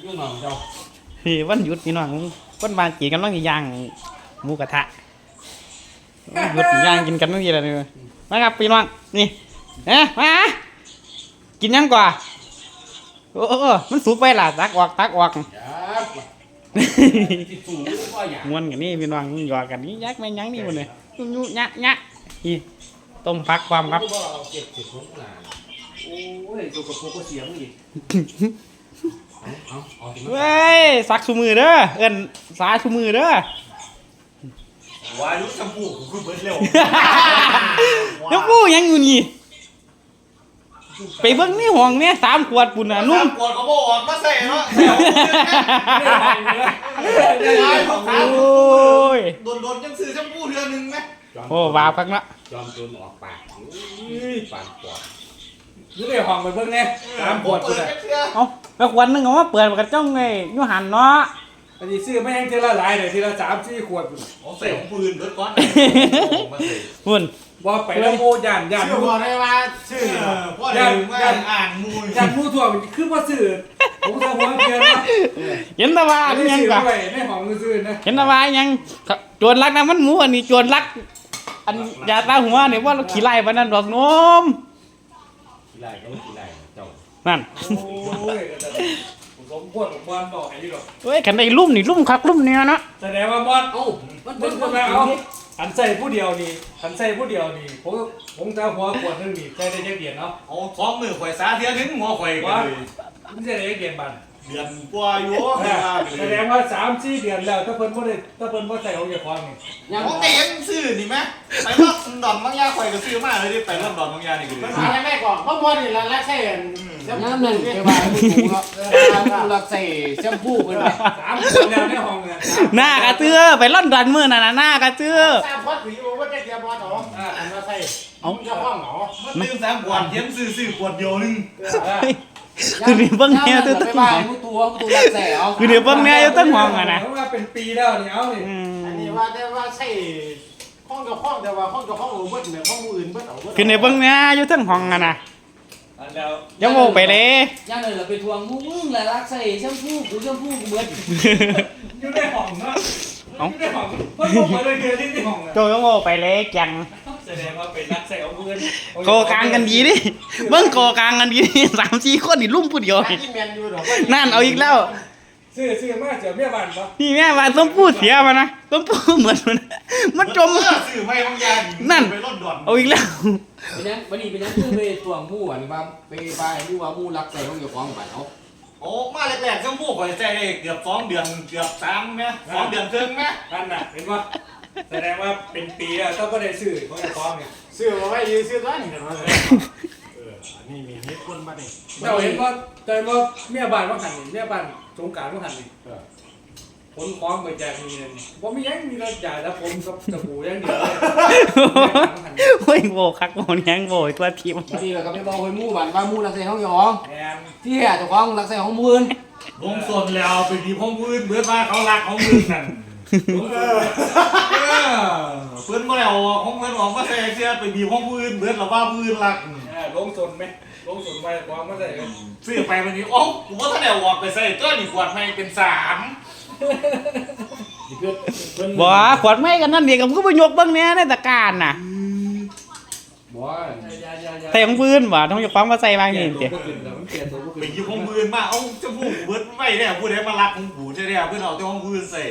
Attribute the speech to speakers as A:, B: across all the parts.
A: ลูกน้องเจ้า
B: วันหยุดพี่น้องวันบางกีกันต้องย่างหมูกระทะหยุดย่างกินกันต้องกี่อะไรเลยมาครับพี่น้องนี่มากินยังกว่าโอ้มันสุกไปล่ะตักออกม้วนกันนี่พี่น้องหยอกกันนี่ยักไม่ยั้งนี่หมดเลยยุ่ยะนี่ต้มผักความครับ
A: โอ้ยตัวกระโปงเสียงอีก
B: เว้ยซักชูมือเด้อเอิ้นสาชูมือเด้อ
A: วายุชมพูคือเบิดเร็ว
B: แล้วปูยังอยู่นี่ไปเบิ่งนี่ห้องเนี่ย3 ขวดปุ่นน่ะนุ่ม
A: ขวดเขาบอกออกมาใส่เนาะ
B: โอ้ย
A: โดนยังซื้อชมพูเดือนนึงไหม
B: โอ้วาพักละ
A: จอมโดนออกปากปานปอดอยู่ในห้องไปเบิ่งแน่3 ขวดพุ่นน่ะ
B: เอาแล้วขวดนึงเอามาเปิดกระจ้องไงอยู่หันเนาะ
C: อันนี้ซื้อไม่แห้งทีละหลายเลยทีละ3-4 ขวด
A: ใส่ของปืนเบิดก้อน
B: พุ่น
C: ว่าไปแล้วโมย่าน
A: ชื่อบอกได้ว่าชื่อย่านอ่างมู
C: ย่านมูถั่วคือว่าซื้อผมจะหัวเกียร์นะ
B: เห็นตะวันยังกะ
C: ในห้องซื้อนะ
B: เห็นตะวันยังโจรลักนะมันหมูอันนี้โจรลักอันยาตาหัวเนี่ยว่าเราขี่ไล่ปานนั้นดอกนม
A: ขี่ไล่ก็ขี่ไล่เจ้า
B: นั่น
C: โอ้ยผมพวดผมบอลบอกให้ดีหรอก
B: เฮ้ยขันได้ลุ่มนี่ลุ่มคักลุ่มเนี่ยนะ
C: แสดงว่าบอลมันเป็นคนเอาหันใส่ผู้เดียวนี่ผมจะหัวขวดนึงนี่ใส่ได้จักเดียนเนาะ
A: เอา2 มือข่อยสาเทียนถึงหัวข่อยกันเลย
C: มันจะได้จักเดียนบัน
A: เดือนกว่าอยู่
C: แสดงว่า3-4 เดือนแล้วถ้าเพิ่นบ่ใส่เอาอย่าควงนี่
A: ยังแต่ยังซื้อนี่มั้ยไปรอบดอนบางยาข่อยก็ซื้อมาเลยดิไปรอบดอนบางยานี่ก็
D: มันหาแม่ก่อนเพราะบ่นี่ละใช่น้ำนึงเกี่ยวกับมือถูเนาะรักใส่แชมพูเพิ่นว่า
C: 3 คนแล้วในห้องเนี่ย
B: หน้ากระเตื้อไปล่อนดันมื้อน่ะหน้ากระเตื้อ
D: 3 ขวดผีว่าจะเกี่ยวบ่ต่ออันว่าใส่เอาเจ้าห้องเหรอ
A: มันลืม3 ขวดเย็นซื้อขวดเดียวนึง
B: คือนี่เบิ่งแนว
D: ตัวบ้านตัวรักใส่เอา
B: คือนี่เบิ่งแนวอยู่ตั้งห้องอ่ะนะ
C: ว่าเป็นปีแล้วนี่เอานี่
D: อันนี้ว่าแต่ว่าใช่ห้องกับห้องแต่ว่าห้องกับห้องเบิดเนี่ยห้องอื่นเบิดเอาเบิด
B: คือนี่เบิ่งแนวอยู่ตั้งห้องอ่ะนะ
C: แล้ว
B: ยังโง่ไปเลย
D: ย่างเลยเราไปทวงมึงแหละรักใส่แชมพูกูเบิด
C: อยู่ในห้องเนาะอยู่ในห้องเพิ่นบ่มาเลยเดือนที่ในห้องอ่ะ
B: โจยังโง่ไปเลยจัง
C: แสดงว่าเป็นรักใส่เอาเงิน
B: โกกลางกันดีดิเบิ่งโกกลางกันดี3-4 คนนี่ลุ่มผู้เดียวนั่นเอาอีกแล้ว
C: ซื้อมาเสียเมียบ้านปะ
B: นี่แม่บ้านต้องพูดเสียมานะต้องพูดเหมือนมันจม
A: ซื้อไม่บางยา
B: นั่น
A: ไปรถด่วน
B: เอาอีกแล้ว
D: เป็นยังวันนี้เป็นยังคือไปทวงมู่อันว่าไปดูว่ามู่รักใส่ของเจ้าของบ้านเอา
A: โอ้มาแรกๆชมพูข่อยใส่เกือบ2 เดือนเกือบ3มั้ย2 เดือนครึ่งมั้ย
C: นั่นน่ะเห็นบ่แสดงว่าเป็นปีแล้วต้องก็ได้ซื้อของเจ้าของเนี่ย
D: ซื้อมาไว้ยืมซื้อร้านนี่นะ
A: นี่มีเฮ็ดคนมาดิ
C: เราเห็นว่าเมียบ้านว่าหันนี่เมียบ้านสงกรานต์ว่าหันนี่ผลคล้องไปแจกมีเลยบ่มียังมีรถใหญ่แล้วผมกับสบู่ยังเดียวเลย
B: โอ้ยโบคักโบยังโบตัวทีม
D: นี่แหละก็ไปบอกให้มู่บ้านว่ามู่รักใส่ของยองที่เจ้าของรักใส่ของมื้น
A: ลงส่วนแล้วไปดีของมื้นเบิดว่าเขารักของมื้นนั่นเพื่อนบ่ได้เอาของเพื่อนออกมาใส่เสื้อไปบีบของมื้นเบิดแล้วว่ามื้นรัก
C: ลงส่วนมั้ยลงส่วนไปความมาใส่
A: ซื้อไปวันนี้โอ้กูบ่ทันได้ออกไปใส่ตัวนี่ขวดใหม่เป็น3
B: บ่ขวดไม่กันนั่นเดียวกับก็ไปยกเบิ่งแน่ในตะการน่ะ
D: บ่
B: ใส่ของปืนบ่ต้องยกความมาใส่บางนี่ติ
A: ไปหยิบของปืนมาเอาจะพูดเบิดไม่ได้ผู้ใดมารักของกูใช่แล้วเพิ่นเอาแต่ของปืนใส่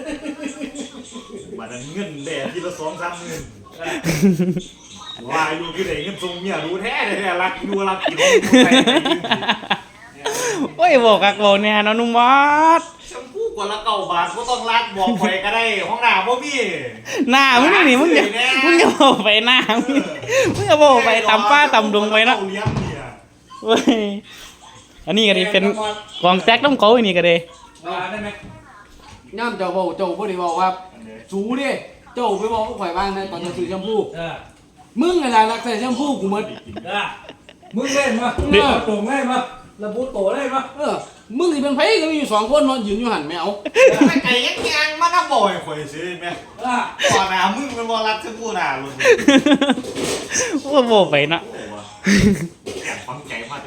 A: บัดนั้นเงินแดดทีละ 2-3 หมื่นว่าอยู่คือได้เงินส่งเมียรู้แท้รักอยู่รักกินของกูใส่
B: โอ้ยบ่คักบ่แน่เนาะนุ่มวัด
A: ชมพูกว่าละ9 บาทบ่ต้องรักบอกไปก็ได้ห้องน้ำบ่มี
B: หน้ามึงนี่มึงอย่าบ่ไปหน้ามึงอย่าบ่ไปตำป้าตำดงไปเนาะเว้ยอันนี้ก็ดิเป็นกองแจ็คต้องเขาอันนี้ก็ได้
C: ได้มั้ย
D: ย่ำเจ้าบ่ได้บอกว่าสูดิเจ้าไปบอกข่อยบ้างนะตอนจะซื้อแชมพูมึงอะไรรักใส่แชมพูกูหมด
C: มึงเล่นมาตรงเล่นมาระบุโตได้ปะ
D: มึงสิเป็นไผก็มีอยู่2 คนนอนยืนอยู่หันแมว
A: ไม่ไก่ยังมาน้ำบ่อยข่อยซื้อแม่ก่อนหน้ามึงเป็นบ่รักถึงกูหน้าลุง
B: ว่าบ่ไปนะ
A: ฟังใจมากจังนั้นลูก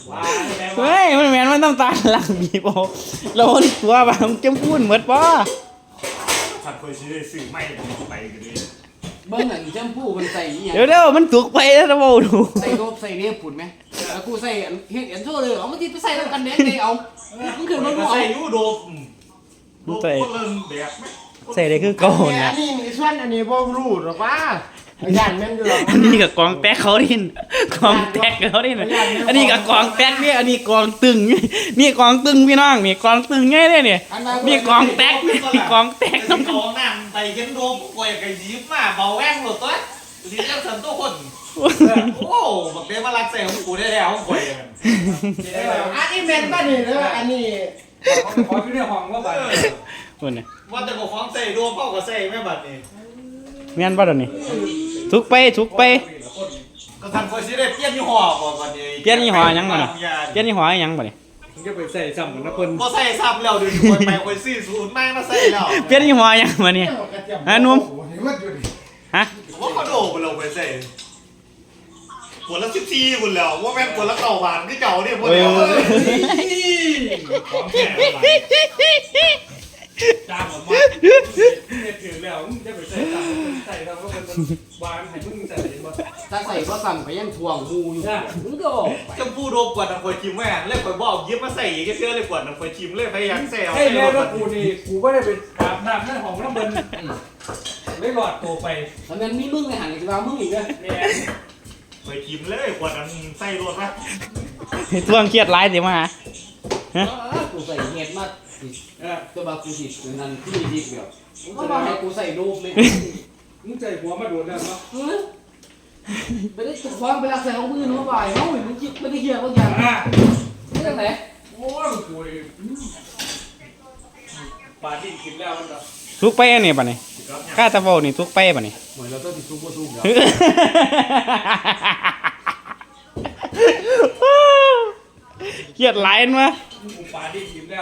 C: ว่าแม่ว่า
B: เฮ้ยมันแม่นมันน้ำตาหลังบีบเอาแล้วมันตัวบางจมพูนหมดบ่
A: ถ้าเคยซื้อได้ซื้อไม่ไปกันเลย
D: เบิ่งอันแชมพูมันใส่อีหยัง
B: เดี๋ยวมันถูกไปแล้วนะบ่ดู
D: ใส่โดบใส่เนี่ยปุ่นไหมแล้วกูใส่อันเฮ็ดอันโชว์เลยเอามาติดไปใส่แล้วกันแดงเลยเอามันขึ้นมันบ่
A: ใส่
D: เอา
A: ยูโดบโดบคนเริ่มแบบไหม
B: ใส่ได้คือเก่า
E: อั
B: น่ะ
E: นนี้มีส่วนอันนี้บ่รู้หรอกว่าย่านแม่นอยู่หรอก
B: อันนี้ก็กองแตกเขาดินกองแตกเขาดินอันนี้ก็กองแตกเนี่ยอันนี้กองตึงนี่กองตึงพี่น้องนี่กองตึงไงเนี่ยนี่
D: อันนั้น
B: นี่กองแตกนี่กองแตก
A: ต้องกองน้ำไปเห็นโดบกวยกับยิ้มมาเบาแว่งหลุดตัวลิ้นเล่นสันตัวคนโอ้บักเบี้ยมาลักใส่ของกูได้แล้วของกวยกัน
E: อันนี้แม่นบ่นี่เด้ออันนี้
C: ขออยู่ในห้องว่าบัด
B: คนน่ะ
A: ว่าแต่บอกของใส่โดบเข้ากับใส่แม่บัดนี่
B: แม่นบ่ดอกนี่ทุกไปทุกไป
A: ก็ทันคอยซื้อได้เปลี่ยนยี่ห้อก่อนบัดนี้
B: เปลี่ยนยี่ห้อหยังบ่นี่เปลี่ยนยี่ห้อหยังบ่นี่
C: มึงจะไปใส่ซ้ำเหมือนนะเพิ่น
A: ก็ใส่ซ้ำแล้วเดี๋ยวคอยไปคอยซื้อศูนย์ไม่มาใส่แล้ว
B: เปลี่ยนยี่ห้อหยังบ่นี่ฮะหนุ่มฮะ
A: ว่าเขาโดบเราไปใส่ขวดละ14บุญแล้วว่าแม่งขวดละ9 บาทที่เก่าเนี่ยพวกเดียว
C: ของแก่จ้างออกมาเนี่ยถึงแล้วมึงจะไปใส่ซ้ำใส่แล้วก็เป็นวางให้มึงใส่บ่
D: ถ้าใส่บ่สั่นไปยังถ่วงหูอยู่มึงก็ออกไป
A: จะพูดโดบกว่านังคอยชิมแม่งเล่นคอยบอกยิ้มมาใส่อีกเชื่อเลยกว่านังคอยชิมเลยพยายามใส่เอา
C: ให้แม่ว่ากูนี่กูไม่ได้ไปอาบน้ำในห้องน้ำเบิ่นไม่หลอดตัวไป
D: ตอนนั้นมีมึงในหันอีกว่ามึงอีกเด้อ
C: แม่
A: คอยชิมเลยกว่านั้นใส่รวดไหม
B: ทวงเครียดหลายสิมาหา
D: กูใส่เฮ็ดมา
C: เออ
D: ตัวบากูสินั่นที่ดีเดียวก็มาให้กูใส่รูปเลย
C: มึงใจหัวมาโดนแล้วเนาะ
D: ไปได้ตุกฟังไปรักษาของมือหนูบ่ายเฮ้ยมึงคิดไม่ได้เหี้ยบางอย่าง
C: อ่ะ
D: เรื่องไหน
C: โอ้ยกูนี่ปลาดิ้นกินแล้วมันก็
B: ทุกไปอันนี้บ่นี่ข้าตะเว้านี่ทุกไปบ่นี่
D: เหมือนเราต้องติดซุกบ่ซุกเนาะ
B: เครียดหลายอันวะ
C: กูปลาดิ้นกินแล้ว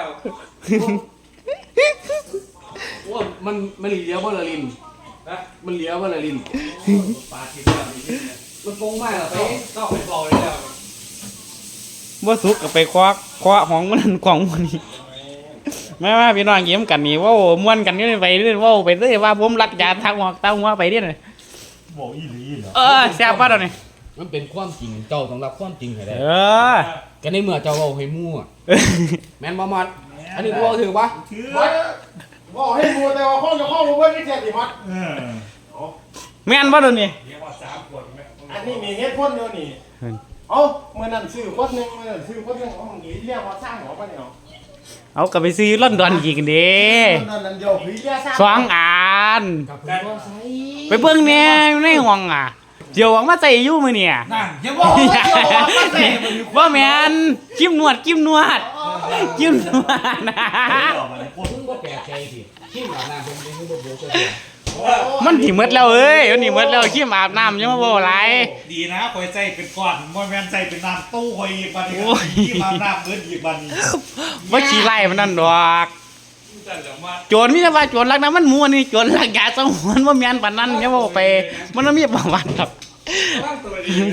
D: ว่ามันเหลียวบ่ละลิน
C: นะ
D: มันเหลียวบ่ละลิน
C: ปลากินแล้วนี่
D: มันฟงมากล่ะไป
C: ต้องไปบอกเลยแล้ว
B: บ่สุกก็ไปคว้าของมันนั่นของมันนี่มาพี่น้องยิ้มกันนี่เว้าม่วนกันอยู่นี่ไปเรื่อยเว้าไปเรื่อยว่าผมรักยาทักหอกตาหัวไปเรื่อยน่ะ
A: บอกอีหลีเหรอ
B: แซ่บป่ะดอกนี่
D: มันเป็นความจริงเจ้าต้องรับความจริงให้ได้
B: เออ
D: ก็ในเมื่อเจ้าเว้าให้มั่วแม่นบ่มัดอันนี้กูเอาถือปะ
A: ถือ
E: บอกให้รู้แต่ว่าข้องจะข้องบ่เบิ่งนี่แท้สิมัด
B: แม่นป่ะดอกนี่
C: เรียกว่า3 ขวดไหม
E: อันนี้มีเฮ็ดพ่นเดียวนี่เอ้ามื้อนั้นซื้อคนนึงมื้อนั้นซื้อคนนึงเอ้ามึงเรียกว่าสร้างหัวปะเนี่ย
B: เอากลับไปซื้อลอนดอนอีกเด้
E: นั่นเดียวพี่เรียกสร้าง
B: สองอัน
D: กับผมก็ใส่
B: ไปเบิ่งแหน่ในห้องอ่ะเดี๋ยวหวังมาใส่อยู่มื้อเนี่ย
A: นั่นอย่าบอกว่าเดี๋ยวบอกมาใส่มันอยู่
B: ว่าแม่นจิ้มนวดจิ้มนวดจิ้มนวดนะ
D: มึงบ่แปลกใจสิขี้หมาหน้าผมนี่คือบ่โบกเลย
B: มันสิหมดแล้วเอ้ยมันสิหมดแล้วขี้อาบน้ำยังมาบ่หลาย
A: ดีนะคอยใส่เป็นก้อนบ่แม่นใส่เป็นน้ำตู้คอยอีกบัดนี้
B: โอ้ย
A: ที่มาน้ำเบิดอีกบัดนี้
B: ว่าขี้ไล่มันนั่นดอก
C: จันแล้วมา
B: โจรมีแต่ว่าโจรลักน้ำมันมัวนี่โจรลักยาสงวนว่าแม่นปานนั้นอย่าบอกไป มันบ่มีประวัติครับ
C: ตั้งตัวดี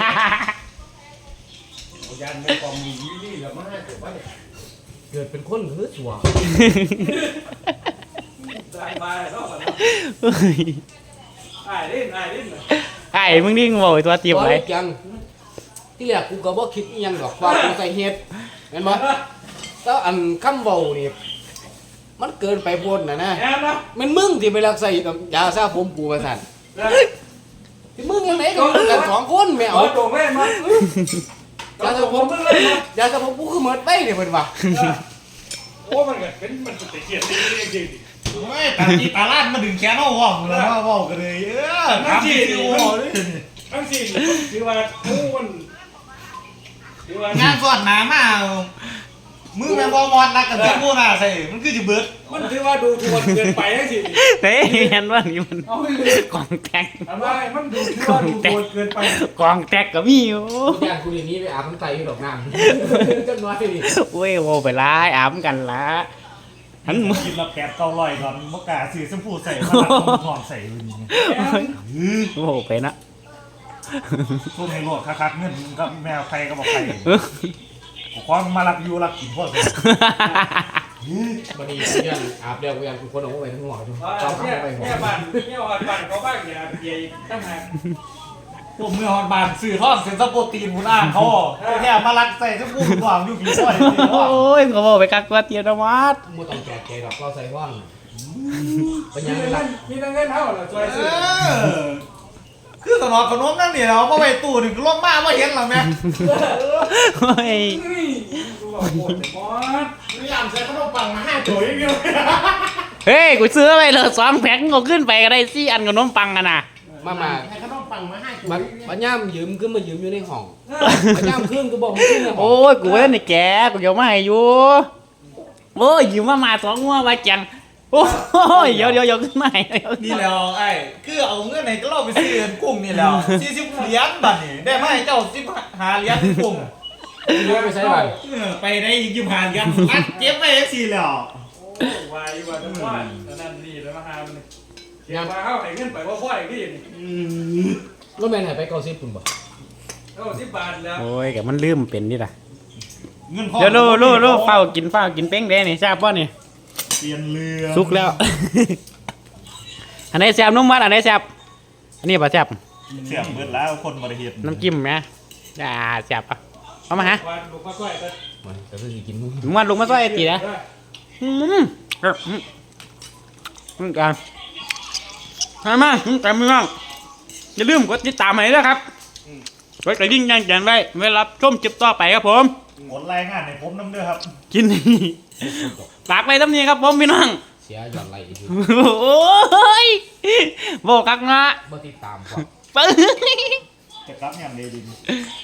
C: ยันในกองมีวิลลี่แล้วมาให้ผมว่าเนี่ย
D: เกิดเป็นคนคือสัว
C: ได้มาแล้วก่อน
B: เฮ้ย
C: ไอ้ดิ้นไอ้ดิ้น
B: ไอ้มึงนี่บอกไอ้ตัวตีบไร
D: จังที่แรกกูก็บ่คิดอีหยังดอกว่ากูใส่เฮ็ดเห็นบ่แล้วอันคำเว้านี่มันเกินไปโพดน่ะนะ
C: แอนนะ
D: มันมึงที่ไปรักใส่ยาซาผมกูว่าซั่นที่มึงยังไงกันสองคนแม่
C: เอา
D: เอา
C: ตรงเล่นมาย
D: าซาผม
C: มึงเล่นมาย
D: าซาผมกูคือหมดไปเนี่ยเพิ่นว่า
C: โอ้มันก็เป็นมันจะเกลียดจริง
A: ไม่ตาจีตาลาดมาดึงแขนเอาว่องแล้วมาเว้ากันเลยทำที่โอ้เลย
C: ๆทั้งสี่ถือว่าโอ้มันถือว่าง
A: านสอดหนามามือแม่บอมอดรักกันทั้งคู่น่ะใส่มันคือจะเบิด
C: มันถือว่าดูทวนเกินไปทั้งสี่
B: เฮ้ยเห็นว่านี่มัน
C: เอาเลย
B: กองแตก
C: ทำไมมันดูถือว่าดูทวนเกินไป
B: กองแตกก็มีอยู่
D: ญาติกูอย่างนี้ไปอาบน้ำไตอยู่ดอกน้ำจังน้อยนี่
B: โอ้ยโวไปร้ายอาบกันละหันมือ
A: กินละ8-900ก่อนมกาซื้อชมพูใส่มาทองใส่เลยนี่
B: โวไปนะ
A: พวกในโลดคักๆเงินกับแมวใครก็บอกใครความมารักอยู่รักกินพวก
D: วันนี้เรื่องอาบเดียวกูยังคนออกไปทั้งหัวอยู่เขาเข้าไปหัว
C: แม่บ้านเขาบ้างอย่าเบียร์ตั้งหาก
A: พวกเมื่อฮอนบานสื่อทอดเซนซัปโปรตีนคุณอ้างเขาแค่มารักใส่ทั้งพูดหวังอยู่ผีซ้อย
B: โอ้ยเขาบอกไปกักตัวเตียนวัด
D: มึงต้องแจกใจหรอกเราใส่ว่างเป็น
C: มี
D: ยังไง
C: เงิ
D: ล่ะ
C: นมีเงินเท่าเหรอช่วยซื้อ
A: คือสนอขนมนั่นนี่เราก็ไปตู้หนึ่งลงมาว่าเห็นหรอแม่
B: โอ้ย
C: กูบอกโหดแต่มอส
E: นี่ยามใส่ขนมปังมา5ตัวอย่างเดียว
B: เฮ้ยกูซื้อไปเลย2 แพ็คก็ขึ้นไปก็ได้4 อันขนมปังกันนะ
D: มา
E: ให้ขนมปังมา5ตัว
D: บัญญัติยืมขึ้นมายืมอยู่ในห้องบัญญัติขึ้นก็บอกมึงขึ้นในห้อง
B: โอ้ยกูเล่นในแกกูเดี๋ยวมาให้อยู่โอ้ยยืมมา2 งัวไว้จังโอ้ยเดี๋ยวขึ้นมาให้
A: นี่แล้วไอ้คือเอาเงินไหนก็เราไปซื้อกุ้งนี่แล้ว40 เหรียญบัตรนี่ได้มาให้เจ้า15 เหรียญกุ้ง
D: ยืมไปใช้บัตร
A: ไปได้อีก25 เหรียญอัดเก็บไว้สิแล้ว
C: โอ้วายว่าจะว่านั่นนี่แล้วมาหามันเดี๋ยวมาเข้าไอ้เงินไปว่าพ่อไอ้ที่นี่
D: รถแมนหายไป90ปุ่นบ่
C: เท่า10 บาทแล้ว
B: โอ้ยแกมันลืมเป็นนี่ล่ะ
A: เงินพ่อ
B: เดี๋ยวลูเฝ้ากินเป้งแดงนี่ทราบป่ะนี่
A: เปลี่ยนเรือ
B: สุกแล้ว อันไหนแซ่บนุ่มมัดอันไหนแซ่บอันนี้ป่ะแซ่บ
A: เสียงเบิดแล้วคนบริเหตุ
B: น้ำจิ้มไหมแซ่บปะเอามาฮะ
C: วันลูกมาช่วยกัน
D: มันก็คือกินมึง
B: มึงมาลงมาซอยไอ้ตีนะกันมากันไม่ว่างอย่าลืมกดติดตามให้ด้วยครับกดกระดิ่งแจ้งไว้เวลาชมคลิปต่อไปครับผม
A: กดรายงานให้ผมน้ำเด้อครับ
B: กินนี่ฝากไว้ตำนี้ครับผมพี่น้อง
D: เสียหย่อนไรอีกที
B: โอ้ยโบกักงะ
D: บ่ติดตามก่อน
B: ปึ้ง
A: จะกลับอย่างเดดิน